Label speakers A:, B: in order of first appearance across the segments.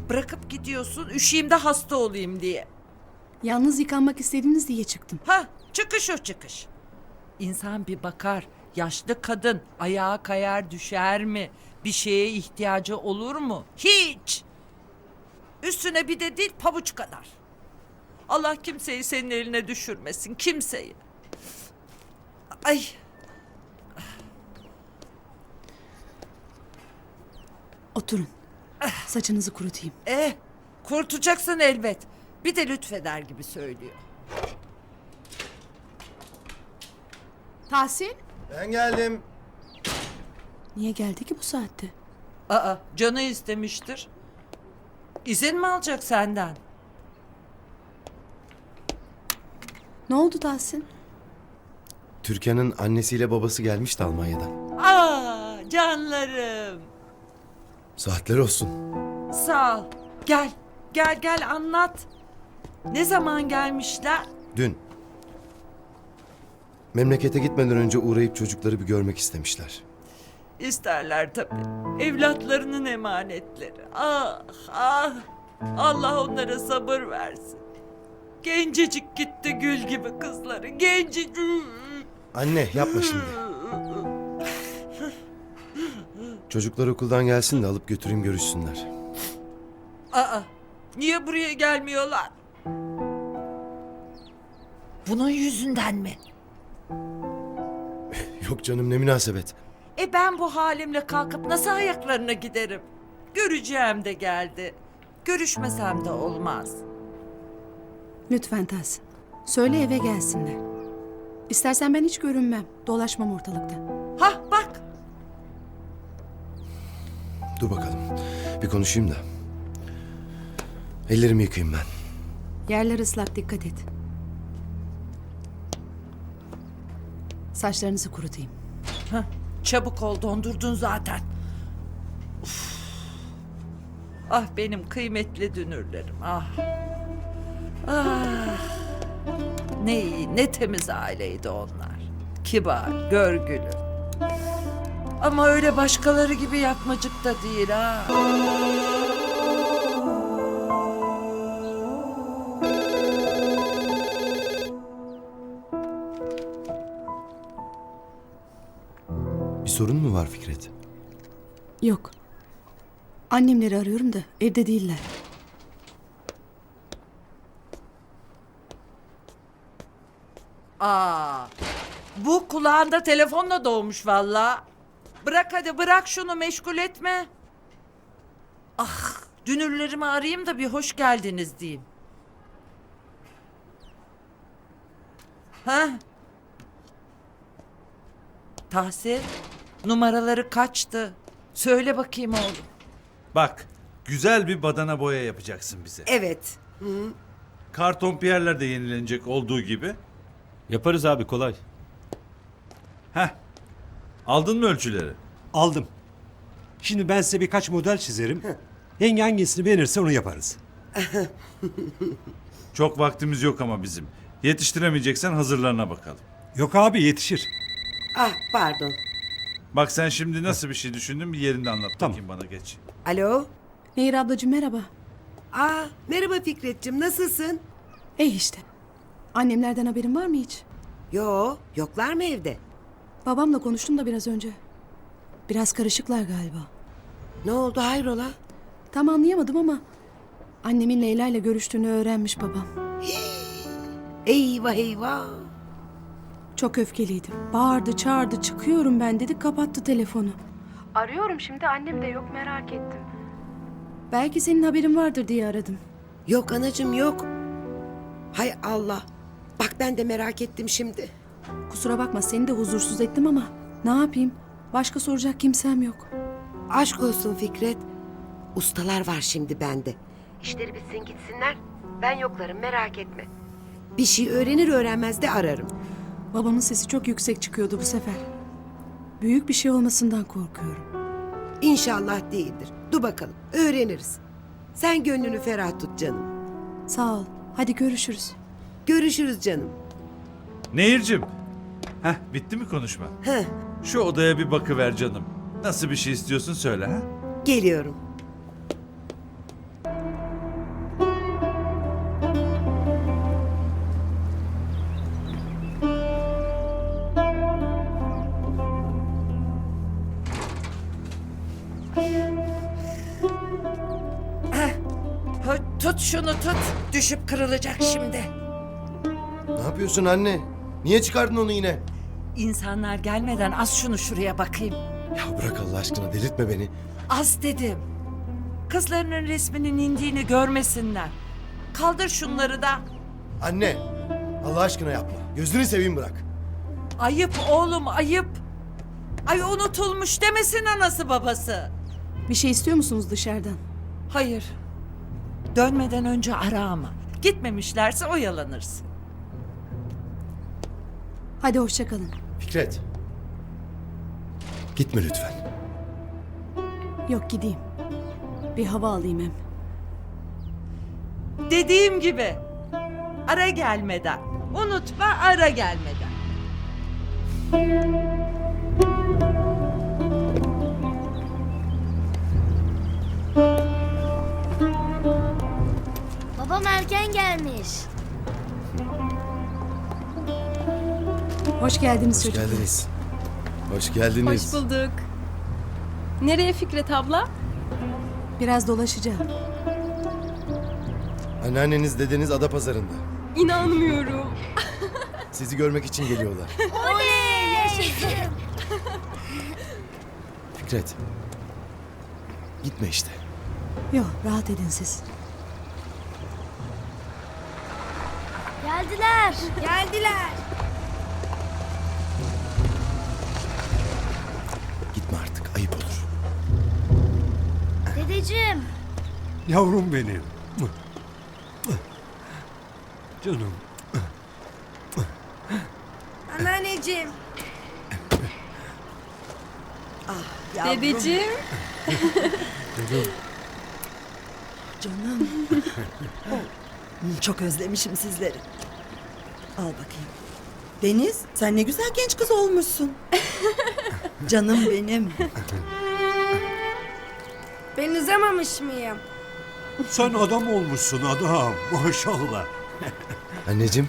A: Bırakıp gidiyorsun, üşüyeyim de hasta olayım diye.
B: Yalnız yıkanmak istediniz diye çıktım.
A: Ha, çıkış o çıkış. İnsan bir bakar, yaşlı kadın ayağa kayar düşer mi? Bir şeye ihtiyacı olur mu? Hiç. Üstüne bir de dil pabuç kadar. Allah kimseyi senin eline düşürmesin, kimseyi. Ay.
B: Oturun. Saçınızı kurutayım.
A: Kurtulacaksın elbet. Bir de lütfeder gibi söylüyor.
B: Tahsin?
C: Ben geldim.
B: Niye geldi ki bu saatte?
A: Aa, canı istemiştir. İzin mi alacak senden?
B: Ne oldu Tahsin?
C: Türkan'ın annesiyle babası gelmişti Almanya'dan.
A: Aa, canlarım.
C: Saatler olsun.
A: Sağ ol. Gel, gel anlat. Ne zaman gelmişler?
C: Dün. Memlekete gitmeden önce uğrayıp çocukları bir görmek istemişler.
A: İsterler tabii. Evlatlarının emanetleri. Ah, ah. Allah onlara sabır versin. Gencecik gitti gül gibi kızları. Gencecik.
C: Anne yapma şimdi. Çocuklar okuldan gelsin de alıp götüreyim görüşsünler.
A: Aa, niye buraya gelmiyorlar? Bunun yüzünden mi?
C: Yok canım ne münasebet.
A: Ben bu halimle kalkıp nasıl ayaklarına giderim? Göreceğim de geldi. Görüşmesem de olmaz.
B: Lütfen Tahsin. Söyle eve gelsinler. İstersen ben hiç görünmem. Dolaşmam ortalıkta.
A: Hah bak.
C: Dur bakalım. Bir konuşayım da. Ellerimi yıkayayım ben.
B: Yerler ıslak, dikkat et. Saçlarınızı kurutayım.
A: Hah, çabuk ol, dondurdun zaten. Uf. Ah benim kıymetli dünürlerim, ah. Ah. Ne iyi, ne temiz aileydi onlar. Kibar, görgülü. Ama öyle başkaları gibi yapmacık da değil ha.
C: Bir sorun mu var Fikret?
B: Yok. Annemleri arıyorum da evde değiller.
A: Aa, bu kulağında telefonla doğmuş valla. Bırak hadi bırak şunu meşgul etme. Ah, dünürlerimi arayayım da bir hoş geldiniz diyeyim. Ha? Tahsin, numaraları kaçtı? Söyle bakayım oğlum.
D: Bak, güzel bir badana boya yapacaksın bize.
A: Evet.
D: Karton piyerler de yenilenecek olduğu gibi.
E: Yaparız abi, kolay.
D: Heh. Aldın mı ölçüleri?
F: Aldım. Şimdi ben size birkaç model çizerim. Yenge hangisini beğenirse onu yaparız.
D: Çok vaktimiz yok ama bizim. Yetiştiremeyeceksen hazırlarına bakalım.
F: Yok abi yetişir.
G: Ah pardon.
D: Bak sen şimdi nasıl bir şey düşündün bir yerinde anlat
F: Tamam.
D: bakayım bana geç.
G: Alo.
B: Nehir ablacığım merhaba.
G: Merhaba Fikret'cim nasılsın?
B: İşte. Annemlerden haberin var mı hiç?
G: Yoklar mı evde?
B: Babamla konuştum da biraz önce. Biraz karışıklar galiba.
G: Ne oldu hayrola?
B: Tam anlayamadım ama annemin Leyla ile görüştüğünü öğrenmiş babam.
G: Eyvah eyvah.
B: Çok öfkeliydim. Bağırdı, çağırdı, çıkıyorum ben dedi, kapattı telefonu. Arıyorum şimdi, annem de yok, merak ettim. Belki senin haberin vardır diye aradım.
G: Yok anacığım yok. Hay Allah. Bak ben de merak ettim şimdi.
B: Kusura bakma, seni de huzursuz ettim ama ne yapayım? Başka soracak kimsem yok.
G: Aşk olsun Fikret. Ustalar var şimdi bende. İşleri bitsin gitsinler. Ben yoklarım merak etme. Bir şey öğrenir öğrenmez de ararım.
B: Babamın sesi çok yüksek çıkıyordu bu sefer. Büyük bir şey olmasından korkuyorum.
G: İnşallah değildir. Dur bakalım öğreniriz. Sen gönlünü ferah tut canım.
B: Sağ ol. Hadi görüşürüz.
G: Görüşürüz canım.
D: Nehir'cim. Heh bitti mi konuşma?
G: Heh,
D: Şu odaya bir bakıver canım. Nasıl bir şey istiyorsun söyle ha?
G: geliyorum.
A: Tut şunu tut. Düşüp kırılacak şimdi.
C: Ne yapıyorsun anne? Niye çıkardın onu yine?
A: İnsanlar gelmeden az şunu şuraya bakayım.
C: Ya bırak Allah aşkına delirtme beni.
A: Az dedim. Kızlarının resminin indiğini görmesinler. Kaldır şunları da.
C: Anne Allah aşkına yapma. Gözünü seveyim bırak.
A: Ayıp oğlum ayıp. Ay unutulmuş demesin anası babası.
B: Bir şey istiyor musunuz dışarıdan?
A: Hayır. Dönmeden önce ara ama. Gitmemişlerse oyalanırsın.
B: Hadi hoşça kalın.
C: Fikret. Gitme lütfen.
B: Yok gideyim. Bir hava alayım hem.
A: Dediğim gibi. Ara gelmeden. Unutma ara gelmeden.
H: Babam erken gelmiş.
B: Hoş geldiniz
C: Hoş
B: çocuklar.
C: geldiniz. Hoş geldiniz.
I: Hoş bulduk. Nereye Fikret abla?
B: Biraz dolaşacağım.
C: Anneanneniz dedeniz Adapazarı'nda.
I: İnanmıyorum.
C: Sizi görmek için geliyorlar.
H: Oley! Yaşasın.
C: Fikret. Gitme işte.
B: Yok rahat edin siz.
H: Geldiler. Geldiler.
C: Gitme artık ayıp olur.
H: Dedeciğim.
F: Yavrum benim. Canım.
G: Anneanneciğim.
I: Dedeciğim.
J: Canım. Çok özlemişim sizleri. Al bakayım. Deniz, sen ne güzel genç kız olmuşsun. Canım benim.
H: Ben uzamamış mıyım?
F: Sen adam olmuşsun adam. Maşallah.
C: Anneciğim.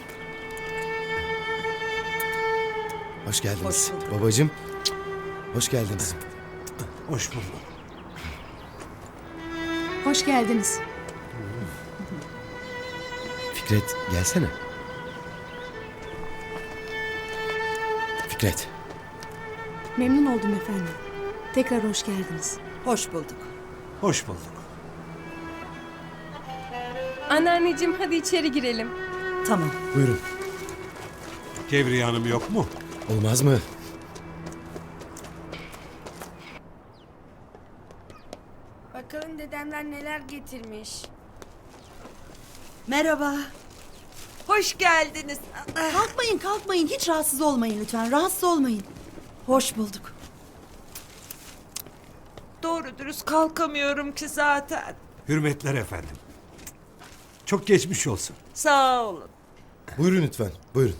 C: Hoş geldiniz. Babacığım. Hoş geldiniz.
F: Hoş bulduk.
B: Hoş geldiniz.
C: Fikret gelsene. Fikret.
B: Memnun oldum efendim. Tekrar hoş geldiniz.
J: Hoş bulduk.
F: Hoş bulduk.
I: Anneanneciğim hadi içeri girelim.
J: Tamam.
C: Buyurun.
F: Kevriye Hanım yok mu?
C: Olmaz mı?
H: Bakalım dedemler neler getirmiş.
J: Merhaba.
A: Hoş geldiniz.
J: Kalkmayın kalkmayın. Hiç rahatsız olmayın lütfen. Rahatsız olmayın. Hoş bulduk.
A: Doğru dürüst kalkamıyorum ki zaten.
F: Hürmetler efendim. Çok geçmiş olsun.
A: Sağ olun.
C: Buyurun lütfen. Buyurun.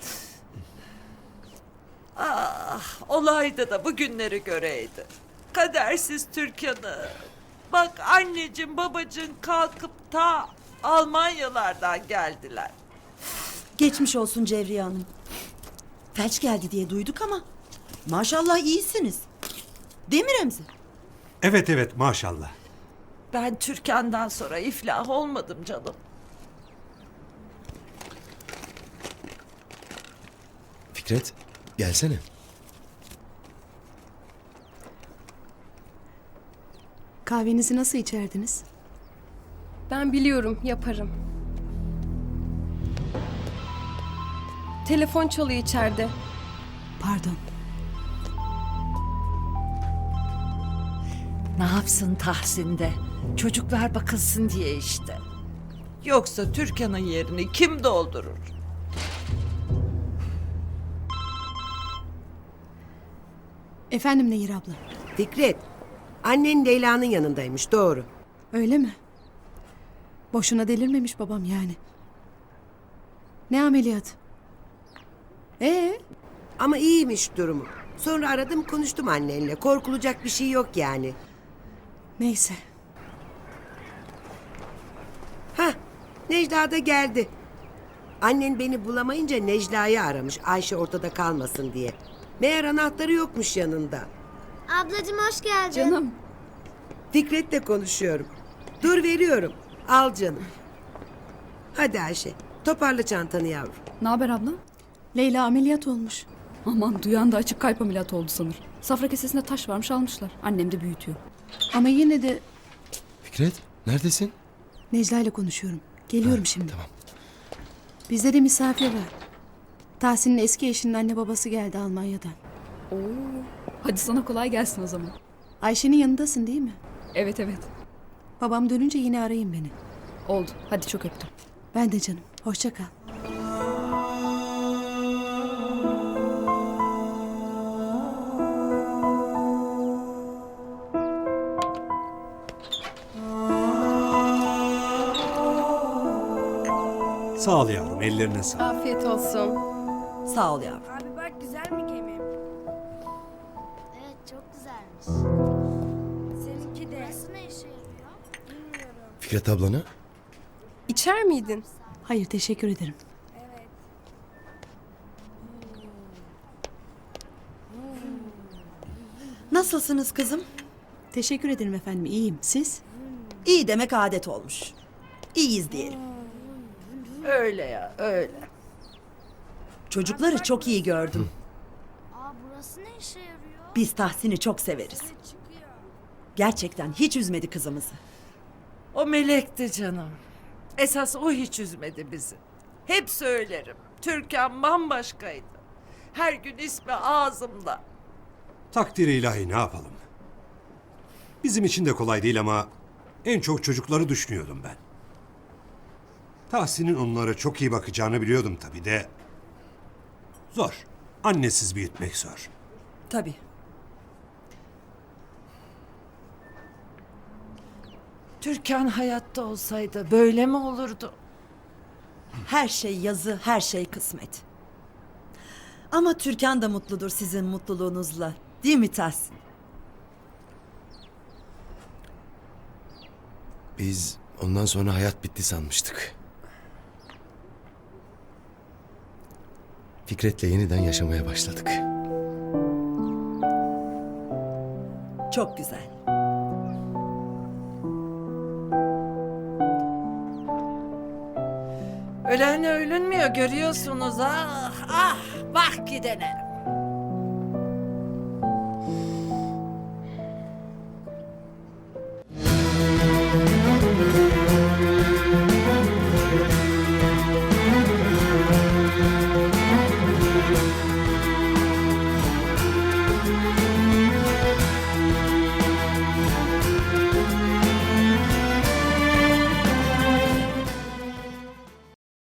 A: Olaydı da bugünleri göreydi. Kadersiz Türkan'ı. Bak anneciğim babacığım kalkıp ta Almanyalardan geldiler.
J: Geçmiş olsun Cevriye Hanım. Felç geldi diye duyduk ama maşallah iyisiniz. Değil mi Remzi?
F: Evet evet maşallah.
A: Ben Türkan'dan sonra iflah olmadım canım.
C: Fikret gelsene.
B: Kahvenizi nasıl içerdiniz?
I: Ben biliyorum yaparım. Telefon çalıyor içeride.
B: Pardon.
A: Ne yapsın Tahsin'de? Çocuklar bakılsın diye işte. Yoksa Türkan'ın yerini kim doldurur?
B: Efendim Nehir abla.
G: Fikret. Annen Leyla'nın yanındaymış doğru.
B: Öyle mi? Boşuna delirmemiş babam yani. Ne ameliyat?
G: Ama iyiymiş durumu. Sonra aradım konuştum annenle. Korkulacak bir şey yok yani.
B: Neyse.
G: Necla da geldi. Annen beni bulamayınca Necla'yı aramış Ayşe ortada kalmasın diye. Meğer anahtarı yokmuş yanında.
H: Ablacığım hoş geldin.
I: Canım.
G: Fikret'le konuşuyorum. Dur veriyorum. Al canım. Hadi Ayşe toparla çantanı yavrum.
I: Ne haber abla?
B: Leyla ameliyat olmuş.
I: Aman duyan da açık kalp ameliyatı oldu sanır. Safra kesesinde taş varmış almışlar. Annem de büyütüyor.
B: Ama yine de
C: Fikret neredesin?
B: Necla ile konuşuyorum. Geliyorum şimdi.
C: Tamam.
B: Bizde de misafir var. Tahsin'in eski eşinin anne babası geldi Almanya'dan.
I: Hadi sana kolay gelsin o zaman.
B: Ayşe'nin yanındasın değil mi?
I: Evet evet.
B: Babam dönünce yine arayın beni.
I: Oldu. Hadi çok öptüm.
B: Ben de canım. Hoşça kal.
F: Sağ ol yavrum, ellerine sağlık.
I: Afiyet olsun.
J: Sağ ol yavrum.
H: Abi bak güzel mi gemim?
K: Evet çok güzelmiş.
H: Seninki de.
K: Burası ne işe yarıyor?
H: Bilmiyorum.
C: Fikret ablana?
I: İçer miydin?
B: Hayır teşekkür ederim.
H: Evet.
J: Nasılsınız kızım?
B: Teşekkür ederim efendim. İyiyim. Siz?
J: İyi demek adet olmuş. İyiyiz diyelim.
A: Öyle ya öyle.
J: Çocukları çok iyi gördüm.
K: Aa burası ne işe yarıyor?
J: Biz Tahsin'i çok severiz.
H: Çıkıyor.
J: Gerçekten hiç üzmedi kızımızı.
A: O melekti canım. Esas o hiç üzmedi bizi. Hep söylerim. Türkan bambaşkaydı. Her gün ismi ağzımda.
F: Takdiri ilahi ne yapalım? Bizim için de kolay değil ama en çok çocukları düşünüyordum ben. Tahsin'in onlara çok iyi bakacağını biliyordum tabii de. Zor. Annesiz büyütmek zor.
J: Tabii.
A: Türkan hayatta olsaydı böyle mi olurdu?
J: Her şey yazı, her şey kısmet. Ama Türkan da mutludur sizin mutluluğunuzla. Değil mi Tahsin?
C: Biz ondan sonra hayat bitti sanmıştık. Fikret'le yeniden yaşamaya başladık.
J: Çok güzel.
A: Ölenle ölünmüyor görüyorsunuz ah ah bak gidene.